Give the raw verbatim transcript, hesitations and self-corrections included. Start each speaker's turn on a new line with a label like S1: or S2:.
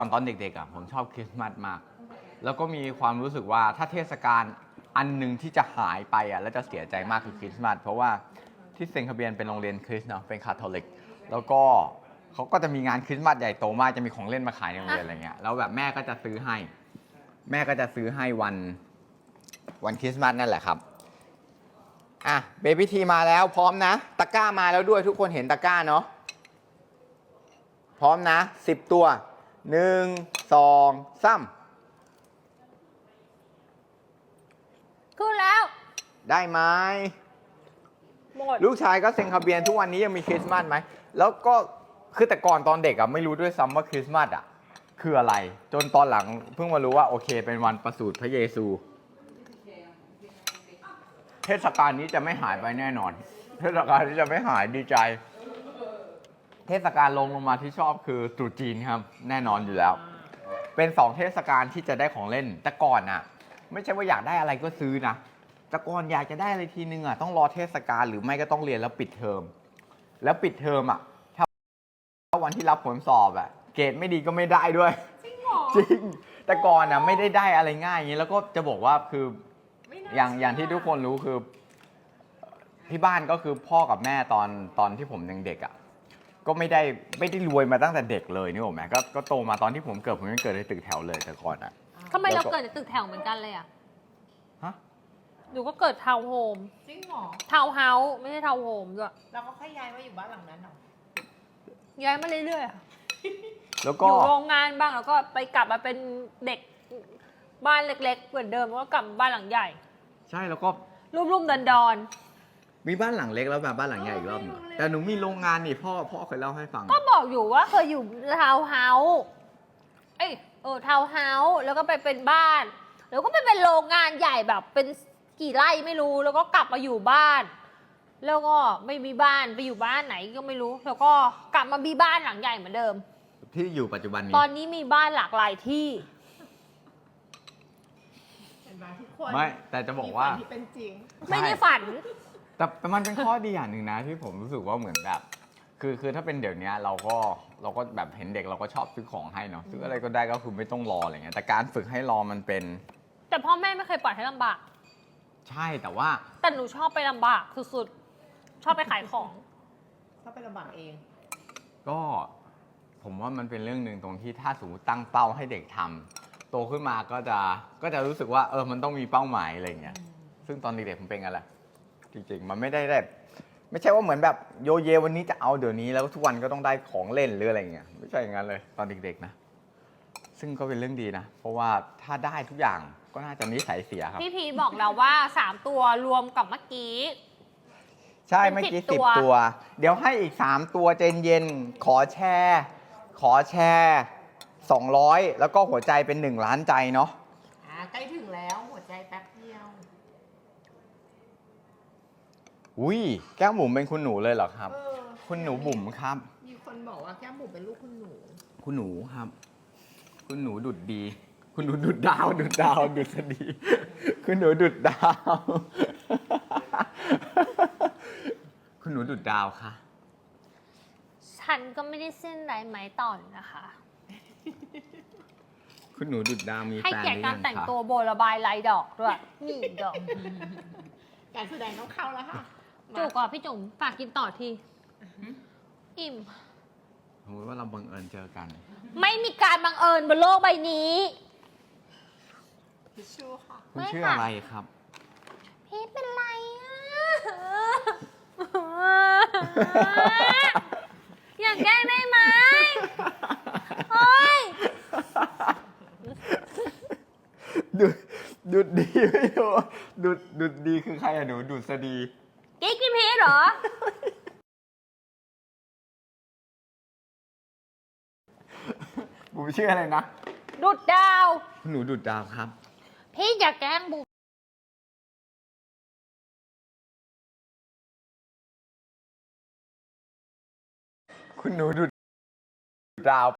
S1: ตอนตอนเด็กๆอ่ะผมชอบคริสต์มาสมากแล้วก็มีความรู้สึกว่าถ้าเทศกาลอันหนึ่งที่จะหายไปอ่ะแล้วจะเสียใจมากคือคริสต์มาสเพราะว่าที่เซนต์คาเบียนเป็นโรงเรียนคริสต์เนาะเป็นคาทอลิกแล้วก็เขาก็จะมีงานคริสต์มาสใหญ่โตมากจะมีของเล่นมาขายในโรงเรียนอะไรเงี้ยแล้วแบบแม่ก็จะซื้อให้แม่ก็จะซื้อให้วันวันคริสต์มาสนั่นแหละครับอ่ะเบบี้ทีมาแล้วพร้อมนะตะกร้ามาแล้วด้วยทุกคนเห็นตะกร้าเนาะพร้อมนะสิบตัวหนึ่งสองสาม
S2: ขึ้นแล้ว
S1: ได้ไหม
S2: หมด
S1: ลูกชายก็เซ็นคาเบียนทุกวันนี้ยังมีคริสต์มาสไหมแล้วก็คือแต่ก่อนตอนเด็กอะไม่รู้ด้วยซ้ำว่าคริสต์มาสอะคืออะไรจนตอนหลังเพิ่งมารู้ว่าโอเคเป็นวันประสูติพระเยซูเทศกาลนี้จะไม่หายไปแน่นอนเทศกาลนี้จะไม่หายดีใจเทศกาลลงลงมาที่ชอบคือตรุษจีนครับแน่นอนอยู่แล้วเป็นสองเทศกาลที่จะได้ของเล่นแต่ก่อนอะไม่ใช่ว่าอยากได้อะไรก็ซื้อนะแต่ก่อนอยากจะได้อะไรทีนึงอะต้องรอเทศกาลหรือไม่ก็ต้องเรียนแล้วปิดเทอมแล้วปิดเทอมอะถ้าวันที่รับผลสอบอะเกรดไม่ดีก็ไม่ได้ด้วย
S2: จริงเหรอ
S1: จริงแต่ก่อนอะไม่ได้ได้อะไรง่ายอย่างนี้แล้วก็จะบอกว่าคืออย่างอย่างที่ทุกคนรู้คือที่บ้านก็คือพ่อกับแม่ตอนตอนที่ผมยังเด็กอะก็ไม่ได้ไม่ได้รวยมาตั้งแต่เด็กเลยนี่ผมแม่ก็ก็โตมาตอนที่ผมเกิดผมยังเกิดในตึกแถวเลยแต่ก่อนอะ
S2: ทำไมเราเกิดในตึกแถวเหมือนกันเลยอ่ะ
S1: ฮะ
S2: หนูก็เกิดทาวน์โฮม
S3: จริงเหรอ
S2: ทาวน์เฮาส์ไม่ใช่ทาวน์โฮมด้วย
S3: เราก็ค่อยย้ายมาอยู่บ้านหลังนั้นเหรอ
S2: ย้ายมาเรื่อย
S1: ๆแล้ว
S2: ก็อยู่โรงงานบ้างแล้วก็ไปกลับมาเป็นเด็กบ้านเล็กๆเหมือนเดิมแล้วก็กลับบ้านหลังใหญ่
S1: ใช่แล้วก็
S2: รุ่มๆดอน
S1: ๆมีบ้านหลังเล็กแล้วแบบบ้านหลังใหญ่อีกรอบนึงแต่หนูมีโรงงานนี่พ่อพ่อเคยเล่าให้ฟัง
S2: ก็บอกอยู่ว่าเคยอยู่ทาวน์เฮาส์เอ้ยเออทาวน์เฮาส์แล้วก็ไปเป็นบ้านแล้วก็ไปเป็นโรงงานใหญ่แบบเป็นกี่ไร่ไม่รู้แล้วก็กลับมาอยู่บ้านแล้วก็ไม่มีบ้านไปอยู่บ้านไหนก็ไม่รู้แล้วก็กลับมามีบ้านหลังใหญ่เหมือนเดิม
S1: ที่อยู่ปัจจุบันนี้
S2: ตอนนี้มีบ้านหลากหลายที่
S1: ไม่แต่จะบอกว่า
S3: ที่เป็นจริง
S2: ไม่ได้ฝัน
S1: แต่แต่มันเป็นข้อดีอย่างหนึ่งนะที่ผมรู้สึกว่าเหมือนแบบคือคือถ้าเป็นเดี๋ยวนี้เราก็เราก็แบบเห็นเด็กเราก็ชอบซื้อของให้เนาะซื้ออะไรก็ได้ก็คือไม่ต้องรออะไรเงี้ยแต่การฝึกให้รอมันเป็น
S2: แต่พ่อแม่ไม่เคยปล่อยให้ลำบาก
S1: ใช่แต่ว่า
S2: แต่หนูชอบไปลำบากสุดๆชอบไปขายของ
S3: ชอบไปลำบากเอง
S1: ก็ผมว่ามันเป็นเรื่องหนึ่งตรงที่ถ้าสมมติตั้งเป้าให้เด็กทำโตขึ้นมาก็จะก็จะรู้สึกว่าเออมันต้องมีเป้าหมายอะไรเงี้ยซึ่งตอนเด็กๆผมเป็นไงล่ะจริงๆมันไม่ได้แบบไม่ใช่ว่าเหมือนแบบโยเยวันนี้จะเอาเดี๋ยวนี้แล้วทุกวันก็ต้องได้ของเล่นหรืออะไรเงี้ยไม่ใช่อย่างนั้นเลยตอนเด็กๆนะซึ่งก็เป็นเรื่องดีนะเพราะว่าถ้าได้ทุกอย่างก็น่าจะนิสัยเสียครับ
S2: พี่พีบอกเราว่าสามตัวรวมกับเมื่อกี้
S1: ใช่เมื่อกี้สิบตัวเดี๋ยวให้อีกสามตัวเจนเย็นขอแชร์ขอแชร์สองร้อยแล้วก็หัวใจเป็นหนึ่งล้านใจเนาะ
S3: อ่าใกล้ถึงแล้วหัวใจแป๊บเดียว
S1: อุ้ยแก้มบุ๋มเป็นคุณหนูเลยเหรอครับคุณหนูบุ๋มครับ
S3: มีคนบอกว่าแก้มบุ๋มเป็นลูกคุณหนู
S1: คุณหนูครับคุณหนูดุดดีคุณหนูดุดดาวดุดดาวดุษฎีคุณหนูดุดดาวคุณหนูดุดดาวค่ะ
S2: ฉันก็ไม่ได้เส้นไรไหมต่อนนะคะ
S1: คุณหนูดุดดาวมีแฟน
S2: ให้เกียรติการแต่งตัวโบระบายลายดอกด้วยนี่ดอก
S3: การแสดงต้องเข้าแล้วค่ะ
S2: จุกอ่ะพี่จุ๋มฝากกินต่อทีอิ่ม
S1: สมมติว่าเราบังเอิญเจอกัน
S2: ไม่มีการบังเอิญบนโลกใบนี้
S3: พี่ชื่อค่ะ
S1: คุณชื่ออะไรครับ
S2: พี่เป็นไรอ่ะอยากแกล้งได้ไหมโอ้ย
S1: ดุดดุดดีไม่รู้ดุดดุดดีคือใครอะหนูดุษฎี
S2: กิ๊กพี่พีชเหรอ
S1: บุ๋มชื่ออะไรนะ
S2: ดุดดาว
S1: หนูดุดดาวครับ
S2: พี่อยากแกล้งบุ๋ม
S1: คุณหนูดุดดาว